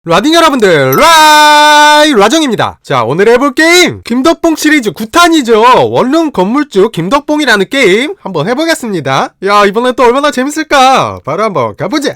라딩 여러분들, 라정입니다. 자, 오늘 해볼 게임 김덕봉 시리즈 9탄이죠. 원룸 건물주 김덕봉이라는 게임 한번 해보겠습니다. 야, 이번엔 또 얼마나 재밌을까? 바로 한번 가보자.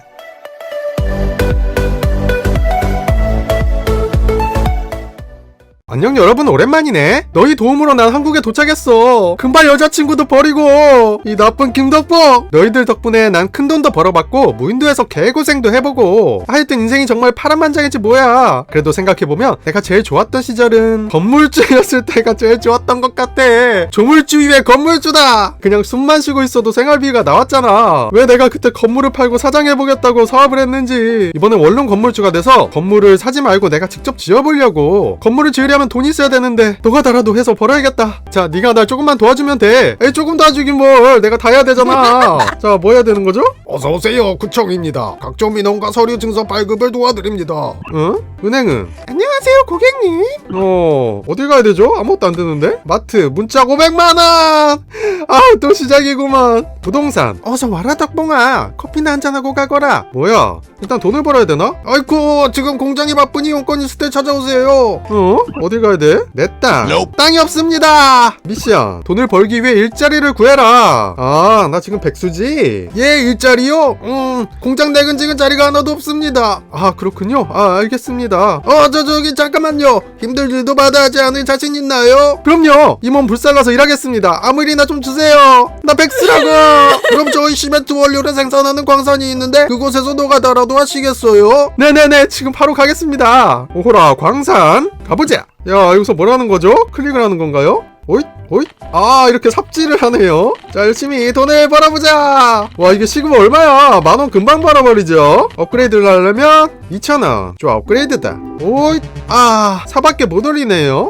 안녕 여러분, 오랜만이네. 너희 도움으로 난 한국에 도착했어. 금발 여자친구도 버리고 이 나쁜 김덕봉. 너희들 덕분에 난 큰돈도 벌어봤고 무인도에서 개고생도 해보고 하여튼 인생이 정말 파란만장이지 뭐야. 그래도 생각해보면 내가 제일 좋았던 시절은 건물주였을 때가 제일 좋았던 것 같아. 조물주 위에 건물주다. 그냥 숨만 쉬고 있어도 생활비가 나왔잖아. 왜 내가 그때 건물을 팔고 사장해보겠다고 사업을 했는지. 이번엔 원룸 건물주가 돼서 건물을 사지 말고 내가 직접 지어보려고. 건물을 지으려면 돈이 있어야 되는데 노가다라도 해서 벌어야겠다. 자, 네가 날 조금만 도와주면 돼. 에이, 조금 도와주긴 뭘. 내가 다 해야 되잖아. 자, 뭐 해야 되는 거죠? 어서오세요, 구청입니다. 각종 민원과 서류 증서 발급을 도와드립니다. 응? 은행은? 안녕하세요, 고객님. 어딜 가야 되죠? 아무것도 안 되는데? 마트 문자 500만원. 아, 또 시작이구만. 부동산. 어서 와라 덕봉아. 커피나 한잔하고 가거라. 뭐야, 일단 돈을 벌어야 되나? 아이쿠, 지금 공장이 바쁘니 용건 있을 때 찾아오세요. 어딜 가야 돼? 내 땅. Nope. 땅이 없습니다. 미션. 돈을 벌기 위해 일자리를 구해라. 아, 나 지금 백수지? 예, 일자리요? 공장 내근직은 자리가 하나도 없습니다. 아, 그렇군요. 아, 알겠습니다. 저기 잠깐만요. 힘들 일도 받아야지 않을 자신 있나요? 그럼요. 이 몸 불살라서 일하겠습니다. 아무 일이나 좀 주세요. 나 백수라고. 그럼 저희 시멘트 원료를 생산하는 광산이 있는데 그곳에서 노가다라도 하시겠어요? 네네네, 지금 바로 가겠습니다. 오호라, 광산 가보자. 야, 여기서 뭘 하는 거죠? 클릭을 하는 건가요? 오잇 오잇. 아, 이렇게 삽질을 하네요. 자, 열심히 돈을 벌어보자. 와, 이게 시급 얼마야? 10,000원 금방 벌어버리죠. 업그레이드를 하려면 2,000원. 좋아, 업그레이드다. 오잇. 아, 4밖에 못 올리네요.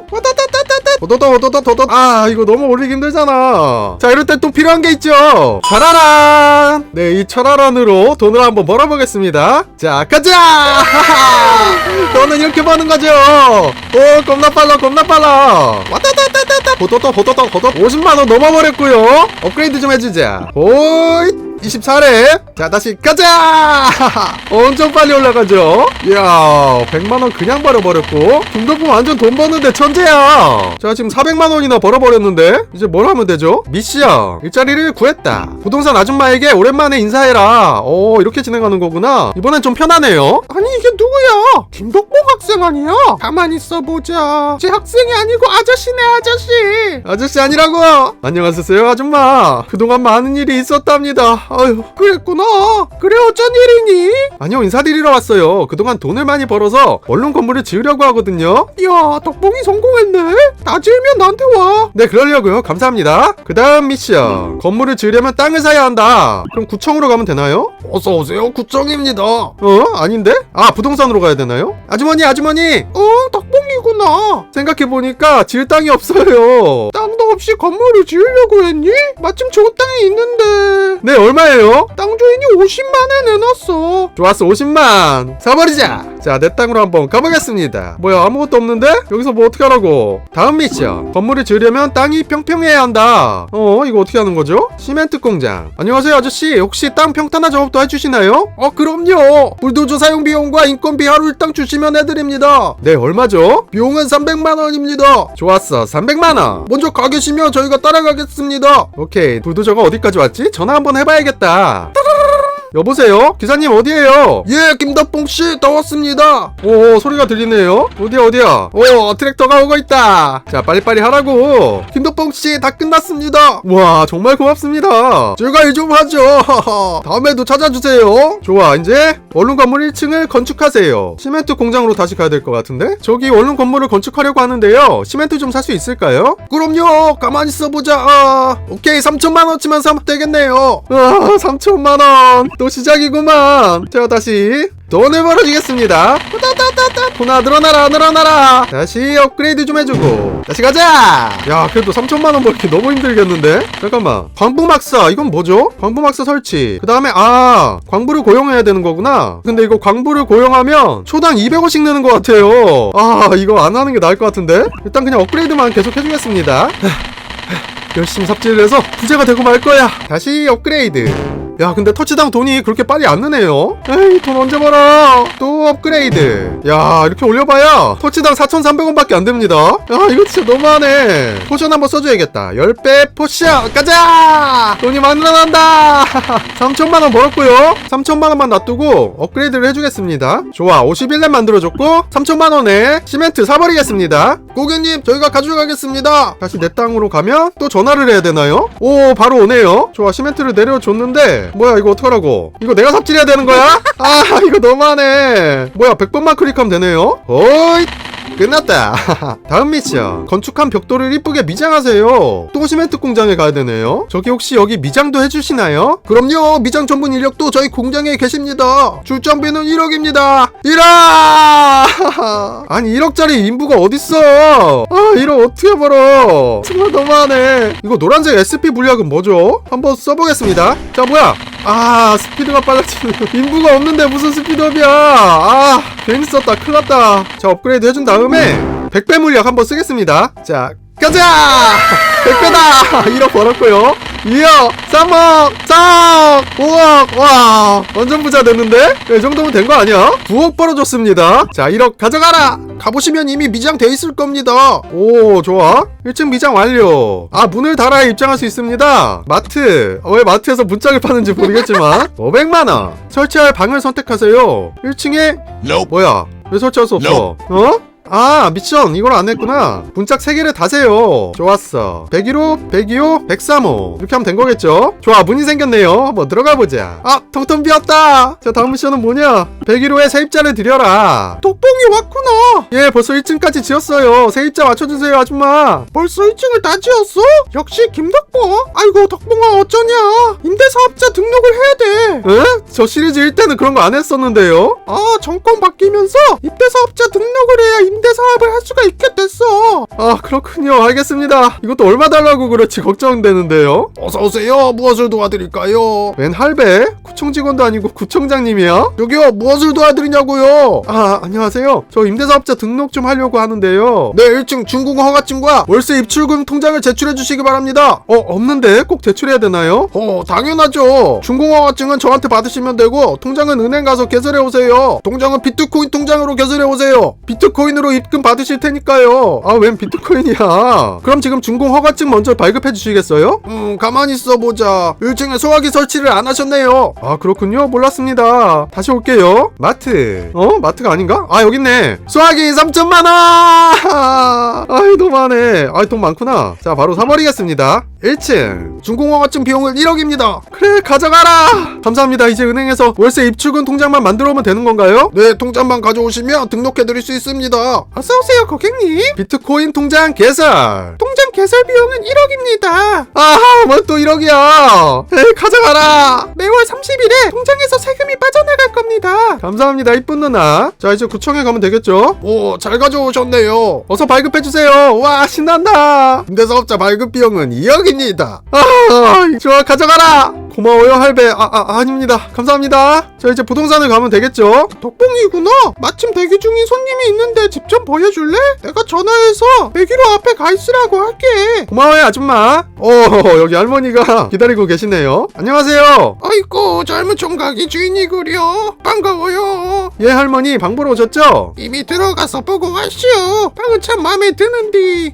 도도도. 아, 이거 너무 올리기 힘들잖아. 자, 이럴 때 또 필요한 게 있죠. 차라란. 네, 이 차라란으로 돈을 한번 벌어보겠습니다. 자, 가자. 돈은 이렇게 버는 거죠. 오, 겁나 빨라. 도도 50만원 넘어버렸고요. 업그레이드 좀 해주자. 오잇. 24렙. 자, 다시 가자. 엄청 빨리 올라가죠. 이야, 100만원 그냥 벌어버렸고 김덕봉 완전 돈 버는데 천재야. 자, 지금 400만원이나 벌어버렸는데 이제 뭘 하면 되죠? 미션. 일자리를 구했다. 부동산 아줌마에게 오랜만에 인사해라. 이렇게 진행하는 거구나. 이번엔 좀 편하네요. 아니, 이게 누구야? 김덕봉 학생 아니야? 가만히 있어보자. 제 학생이 아니고 아저씨네, 아저씨. 아저씨 아니라고. 안녕하세요, 아줌마. 그동안 많은 일이 있었답니다. 아유, 그랬구나. 그래, 어쩐 일이니? 아니요, 인사드리러 왔어요. 그동안 돈을 많이 벌어서 원룸 건물을 지으려고 하거든요. 이야, 덕봉이 성공했네. 다 지으면 나한테 와. 네, 그러려고요. 감사합니다. 그 다음 미션. 건물을 지으려면 땅을 사야 한다. 그럼 구청으로 가면 되나요? 어서오세요, 구청입니다. 아닌데? 아, 부동산으로 가야 되나요? 아주머니. 덕봉이구나. 생각해보니까 지을 땅이 없어요. 땅도 없이 건물을 지으려고 했니? 마침 좋은 땅이 있는데. 네, 얼마예요? 땅 주인이 50만에 내놨어. 좋았어, 50만 사버리자. 자, 내 땅으로 한번 가보겠습니다. 뭐야, 아무것도 없는데? 여기서 뭐 어떻게 하라고? 다음 미션. 건물을 지으려면 땅이 평평해야 한다. 이거 어떻게 하는 거죠? 시멘트 공장. 안녕하세요, 아저씨. 혹시 땅 평탄화 작업도 해주시나요? 그럼요. 불도저 사용 비용과 인건비 하루 일당 주시면 해드립니다. 네, 얼마죠? 비용은 300만원입니다. 좋았어, 300만원. 먼저 가 계시면 저희가 따라가겠습니다. 오케이, 불도저가 어디까지 왔지? 전화 한번 해봐야겠다. 여보세요? 기사님 어디에요? 예, 김덕봉씨, 다 왔습니다. 오, 소리가 들리네요. 어디야? 트랙터가 오고 있다. 자, 빨리빨리 하라고. 김덕봉씨, 다 끝났습니다. 와, 정말 고맙습니다. 제가 일 좀 하죠. 다음에도 찾아주세요. 좋아, 이제 원룸 건물 1층을 건축하세요. 시멘트 공장으로 다시 가야 될 것 같은데? 저기 원룸 건물을 건축하려고 하는데요. 시멘트 좀 살 수 있을까요? 그럼요. 가만히 있어보자. 오케이, 3천만원치만 사면 되겠네요. 3천만원. 또 시작이구만. 자, 다시 돈을 벌어주겠습니다. 돈아, 늘어나라. 다시 업그레이드 좀 해주고 다시 가자. 야, 그래도 3천만원 벌기 너무 힘들겠는데? 잠깐만, 광부막사. 이건 뭐죠? 광부막사 설치. 그 다음에 광부를 고용해야 되는 거구나. 근데 이거 광부를 고용하면 초당 200원씩 내는 것 같아요. 이거 안 하는 게 나을 것 같은데? 일단 그냥 업그레이드만 계속 해주겠습니다. 열심히 삽질을 해서 부자가 되고 말 거야. 다시 업그레이드. 야 근데 터치당 돈이 그렇게 빨리 안 느네요. 에이 돈 언제 벌어. 또 업그레이드. 야 이렇게 올려봐야 터치당 4,300원밖에 안 됩니다. 야 이거 진짜 너무하네. 포션 한번 써줘야겠다. 10배 포션 가자. 돈이 막 늘어난다. 3천만원 벌었고요. 3천만원만 놔두고 업그레이드를 해주겠습니다. 좋아 51렙 만들어줬고 3천만원에 시멘트 사버리겠습니다. 고객님 저희가 가져가겠습니다. 다시 내 땅으로 가면 또 전화를 해야 되나요? 오 바로 오네요. 좋아 시멘트를 내려줬는데 뭐야 이거 어떡하라고. 이거 내가 삽질해야 되는 거야? 아 이거 너무하네. 뭐야 100번만 클릭하면 되네요. 어이 끝났다. 다음 미션 건축한 벽돌을 이쁘게 미장하세요. 또 시멘트 공장에 가야 되네요. 저기 혹시 여기 미장도 해주시나요? 그럼요. 미장 전문 인력도 저희 공장에 계십니다. 출장비는 1억입니다. 1억! 아니 1억짜리 인부가 어딨어. 아 1억 어떻게 벌어. 정말 너무하네. 이거 노란색 SP 물약은 뭐죠? 한번 써보겠습니다. 자 뭐야 아 스피드가 빨라지는 인부가 없는데 무슨 스피드업이야. 아 괜히 썼다 큰일났다. 자 업그레이드 해준 다음에 100배 물약 한번 쓰겠습니다. 자 가자 100배다 1억 벌었고요. 2억 3억 4억 5억 와 완전 부자 됐는데? 이 정도면 된 거 아니야? 9억 벌어줬습니다. 자 1억 가져가라. 가보시면 이미 미장돼 있을 겁니다. 오 좋아 1층 미장 완료. 아 문을 달아야 입장할 수 있습니다. 마트 왜 마트에서 문짝을 파는지 모르겠지만 500만원 설치할 방을 선택하세요. 1층에 뭐야 왜 설치할 수 없어? 어? 아 미션 이걸 안 했구나. 문짝 3개를 다세요. 좋았어 101호 102호 103호 이렇게 하면 된 거겠죠. 좋아 문이 생겼네요. 한번 들어가 보자. 아 텅텅 비었다. 자 다음 미션은 뭐냐. 101호에 세입자를 드려라. 덕봉이 왔구나. 예 벌써 1층까지 지었어요. 세입자 맞춰주세요 아줌마. 벌써 1층을 다 지었어? 역시 김덕봉. 아이고 덕봉아 어쩌냐. 임대사업자 등록을 해야 돼. 에? 저 시리즈 1때는 그런 거 안 했었는데요. 아 정권 바뀌면서 임대사업자 등록을 해야 임대사업을 할 수가 있게 됐어. 아 그렇군요. 알겠습니다. 이것도 얼마 달라고 그렇지 걱정되는데요. 어서오세요. 무엇을 도와드릴까요? 웬 할배? 구청 직원도 아니고 구청장님이야? 여기요 무엇을 도와드리냐고요? 아 안녕하세요. 저 임대사업자 등록 좀 하려고 하는데요. 네 1층 준공 허가증과 월세 입출금 통장을 제출해 주시기 바랍니다. 없는데 꼭 제출해야 되나요? 당연하죠. 준공 허가증은 저한테 받으시면 되고 통장은 은행 가서 개설해 오세요. 통장은 비트코인 통장으로 개설해 오세요. 비트코인으로 입금 받으실 테니까요. 아 웬 비트코인이야. 그럼 지금 준공 허가증 먼저 발급해 주시겠어요? 가만히 있어보자. 1층에 소화기 설치를 안 하셨네요. 아 그렇군요. 몰랐습니다. 다시 올게요. 마트 마트가 아닌가? 아 여기 있네. 소화기 3천만원. 아이 너무하네. 아이 돈 많구나. 자 바로 사버리겠습니다. 1층 준공 허가증 비용을 1억입니다. 그래 가져가라. 감사합니다. 이제 은행에서 월세 입출금 통장만 만들어 오면 되는 건가요? 네 통장만 가져오시면 등록해 드릴 수 있습니다. 어서오세요 고객님. 비트코인 통장 개설. 통장 개설 비용은 1억입니다. 아하 뭘 또 1억이야. 에이 가져가라. 매월 30일에 통장에서 세금이 빠져나갈 겁니다. 감사합니다 이쁜 누나. 자 이제 구청에 가면 되겠죠? 오 잘 가져오셨네요. 어서 발급해주세요. 와 신난다. 임대사업자 발급 비용은 2억입니다. 좋아 가져가라. 고마워요 할배. 아닙니다. 감사합니다. 자 이제 부동산을 가면 되겠죠? 덕봉이구나. 마침 대기 중인 손님이 있는데 집 좀 보여줄래? 내가 전화해서 101호 앞에 가 있으라고 할게. 고마워요 아줌마. 여기 할머니가 기다리고 계시네요. 안녕하세요. 아이고 젊은 총각이 주인이구려. 반가워요. 예 할머니 방 보러 오셨죠? 이미 들어가서 보고 왔시오. 방은 참 마음에 드는디.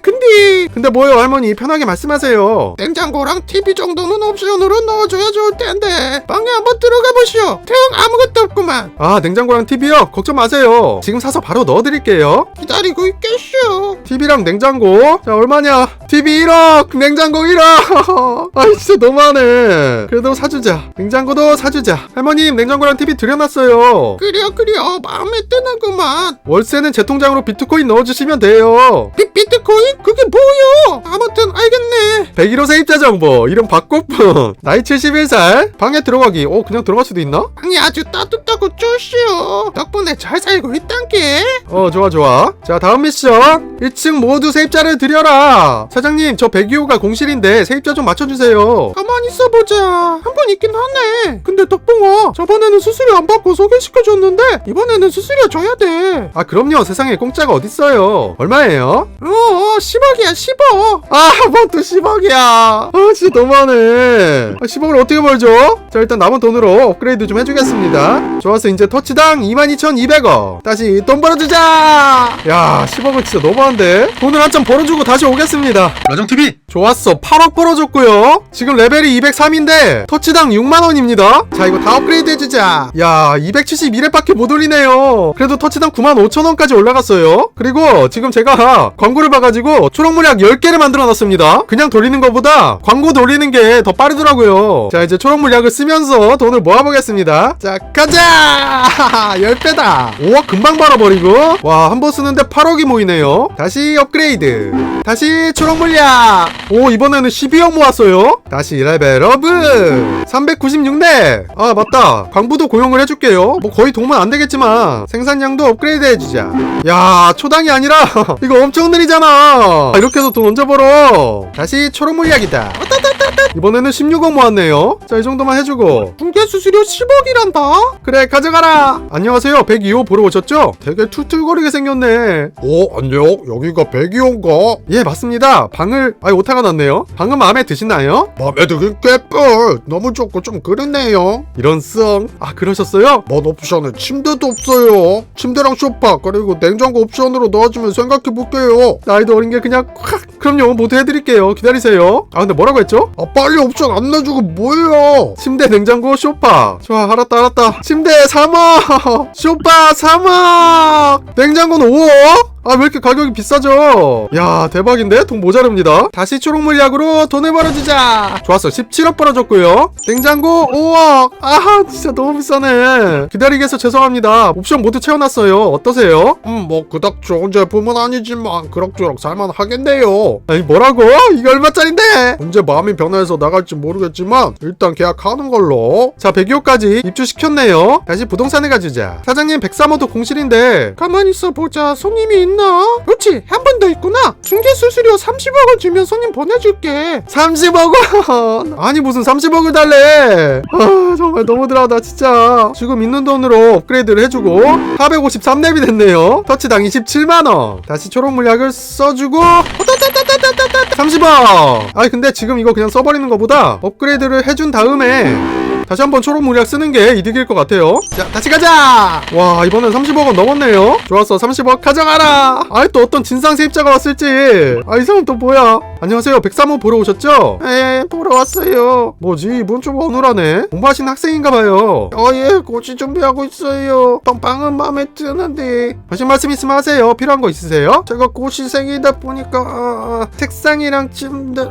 근데 뭐요 할머니 편하게 말씀하세요. 냉장고랑 TV 정도는 옵션으로 넣어줘야 좋을 텐데 방에 한번 들어가 보시오. 태양 아무것도 없구만. 아 냉장고랑 TV요? 걱정 마세요. 지금 사서 바로 넣어드릴게요. 기다리고 있겠쇼. TV랑 냉장고. 자 얼마냐? TV 1억 냉장고 1억. 아 진짜 너무하네. 그래도 사주자. 냉장고도 사주자. 할머님 냉장고랑 TV 들여놨어요. 그려 마음에 드는구만. 월세는 제 통장으로 비트코인 넣어주시면 돼요. 비트코인? 그게 뭐요? 아무튼 알겠네. 101호 세입자 정보. 이름 박꽃분. 나이 71살. 방에 들어가기. 그냥 들어갈 수도 있나? 방이 아주 따뜻하고 좋시오. 덕분에 잘 살고 있단게. 좋아. 자 다음 미션. 1층 모두 세입자를 드려라. 사장님 저 102호가 공실인데 세입자 좀 맞춰주세요. 가만히 있어보자. 한 번 있긴 하네. 근데 덕봉아 저번에는 수수료 안 받고 소개시켜줬는데 이번에는 수수료 줘야 돼. 아 그럼요. 세상에 공짜가 어딨어요. 얼마예요? 10억이야 10억. 뭐 또 10억이야. 진짜 너무하네. 10억을 어떻게 벌죠? 자, 일단 남은 돈으로 업그레이드 좀 해주겠습니다. 좋았어. 이제 터치당 22,200원. 다시 돈 벌어주자. 야, 10억은 진짜 너무한데? 돈을 한참 벌어주고 다시 오겠습니다. 라정TV 좋았어. 8억 벌어줬고요. 지금 레벨이 203인데 터치당 6만원입니다. 자, 이거 다 업그레이드 해주자. 야, 271회밖에 못 올리네요. 그래도 터치당 95,000원까지 올라갔어요. 그리고 지금 제가 광고를 봐가지고 초록물약 10개를 만들어놨습니다. 그냥 돌리는 것보다 광고 돌리는 게 더 빠르더라고요. 자, 이제 초록물약을 쓰면서 돈을 모아보겠습니다. 자, 가자. 10배다. 5억 금방 벌어버리고, 와, 한 번 쓰는데 8억이 모이네요. 다시 업그레이드. 다시 초록물약. 오, 이번에는 12억 모았어요. 다시 레벨업. 396렙. 아, 맞다. 광부도 고용을 해줄게요. 뭐 거의 도움은 안 되겠지만 생산량도 업그레이드 해주자. 야, 초당이 아니라 이거 엄청 느리잖아. 이렇게 해서 돈 언제 벌어? 다시 초록물약이다. 이번에는 16억 모았네요. 자, 이 정도만 해주고 중개 수수료 10억이란다. 그래, 가져가라. 안녕하세요. 102호 보러 오셨죠? 되게 툴툴거리게 생겼네. 안녕. 여기가 102호인가? 예, 맞습니다. 방을 오타가 났네요. 방은 마음에 드시나요? 맘에 들긴 꽤뿔. 너무 좋고 좀 그렇네요. 이런 썽. 아, 그러셨어요? 먼 옵션에 침대도 없어요. 침대랑 소파 그리고 냉장고 옵션으로 넣어주면 생각해볼게요. 나이도 어린 게 그냥 콱. 그럼요, 모두 해드릴게요. 기다리세요. 아, 근데 뭐라고 했죠? 빨리 옵션 안 내주고 뭐예요? 침대, 냉장고, 쇼파. 좋아, 알았다. 침대 3억, 쇼파 3억, 냉장고는 5억? 아, 왜 이렇게 가격이 비싸죠? 야, 대박인데? 돈 모자릅니다. 다시 초록물약으로 돈을 벌어주자. 좋았어. 17억 벌어줬고요. 냉장고 5억. 아하, 진짜 너무 비싸네. 기다리게 해서 죄송합니다. 옵션 모두 채워놨어요. 어떠세요? 뭐 그닥 좋은 제품은 아니지만 그럭저럭 살만하겠네요. 아니, 뭐라고? 이거 얼마짜린데? 언제 마음이 변해서 나갈지 모르겠지만 일단 계약하는 걸로. 자, 102호까지 입주시켰네요. 다시 부동산에 가주자. 사장님, 103호도 공실인데 가만히 있어보자. 손님이 있나? 그렇지, 한 번 더 있구나. 중개 수수료 30억을 주면 손님 보내줄게. 30억원? 아니, 무슨 30억을 달래. 아, 정말 너무들하다 진짜. 지금 있는 돈으로 업그레이드를 해주고 453렙이 됐네요. 터치당 27만원. 다시 초록물약을 써주고 30억. 아니, 근데 지금 이거 그냥 써버리는 것보다 업그레이드를 해준 다음에 다시 한번 초록물약 쓰는 게 이득일 것 같아요. 자, 다시 가자. 와, 이번엔 30억원 넘었네요. 좋았어. 30억 가져가라. 아이, 또 어떤 진상 세입자가 왔을지. 아, 이 사람 또 뭐야? 안녕하세요. 103호 보러 오셨죠? 예, 보러 왔어요. 뭐지, 이분 좀 어눌하네. 공부하시는 학생인가봐요. 예, 고시 준비하고 있어요. 방은 마음에 드는데. 하신 말씀 있으면 하세요. 필요한 거 있으세요? 제가 고시생이다 보니까 책상이랑 침대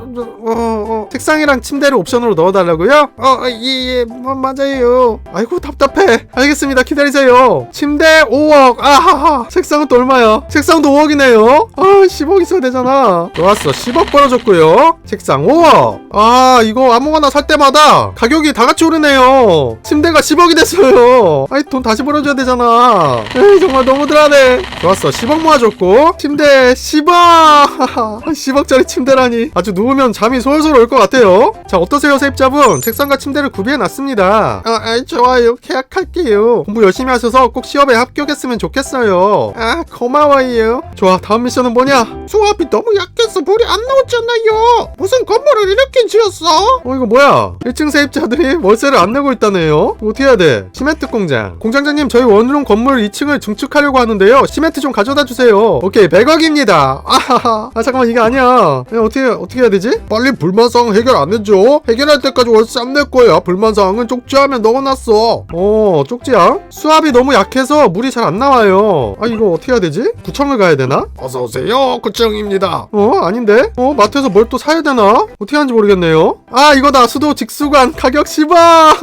책상이랑 침대를 옵션으로 넣어달라고요? 예, 맞아요. 아이고, 답답해. 알겠습니다. 기다리세요. 침대 5억. 아하하. 책상은 또 얼마야? 책상도 5억이네요. 아, 10억 있어야 되잖아. 좋았어. 10억 벌어줬고요. 책상 5억. 아, 이거 아무거나 살 때마다 가격이 다 같이 오르네요. 침대가 10억이 됐어요. 아이, 돈 다시 벌어줘야 되잖아. 에이, 정말 너무들하네. 좋았어. 10억 모아줬고 침대 10억. 10억짜리 침대라니. 아주 누우면 잠이 솔솔 올 것 같아요. 자, 어떠세요, 세입자분? 책상과 침대를 구비해놨습니다. 좋아요. 계약할게요. 공부 열심히 하셔서 꼭 시험에 합격했으면 좋겠어요. 고마워요. 좋아, 다음 미션은 뭐냐? 수압이 너무 약해서 불이 안 나오잖아요. 무슨 건물을 이렇게 지었어? 이거 뭐야? 1층 세입자들이 월세를 안 내고 있다네요. 이거 어떻게 해야 돼? 시멘트 공장. 공장장님, 저희 원룸 건물 2층을 증축하려고 하는데요. 시멘트 좀 가져다 주세요. 오케이, 100억입니다. 아하하. 잠깐만, 이게 아니야. 야, 어떻게 해야 되지? 빨리 불만사항 해결 안 해줘. 해결할 때까지 월세 안 낼 거야. 불만사항은 쪽지함에 넣어놨어. 쪽지야? 수압이 너무 약해서 물이 잘 안 나와요. 이거 어떻게 해야 되지? 구청을 가야 되나? 어서오세요. 구청입니다. 아닌데? 마트에서 뭘 또 사야 되나? 어떻게 하는지 모르겠네요. 이거다. 수도 직수관 가격 10억.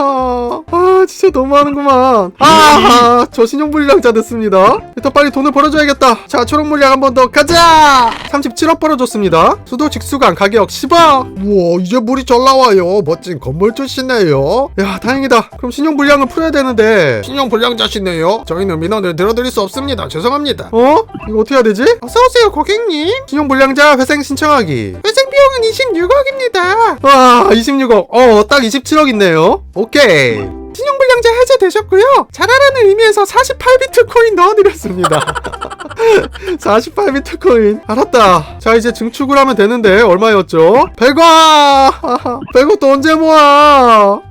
진짜 너무하는구만. 저 신용불량자 됐습니다. 일단 빨리 돈을 벌어줘야겠다. 자, 초록물약 한 번 더 가자. 37억 벌어줬습니다. 수도 직수관 가격 10억. 우와, 이제 물이 잘 나와요. 멋진 건물주시네요. 야, 다행이다. 그럼 신용불량을 풀어야 되는데. 신용불량자시네요. 저희는 민원을 들어드릴 수 없습니다. 죄송합니다. 이거 어떻게 해야 되지? 어서오세요, 고객님. 신용불량자 회생 신청하기. 회생 비용은 26억입니다. 와, 26억. 딱 27억 있네요. 오케이. 신용불량자 해제되셨고요. 잘하라는 의미에서 48비트코인 넣어드렸습니다. 48비트 코인. 알았다. 자, 이제 증축을 하면 되는데 얼마였죠? 100원! 100원 또 언제 모아?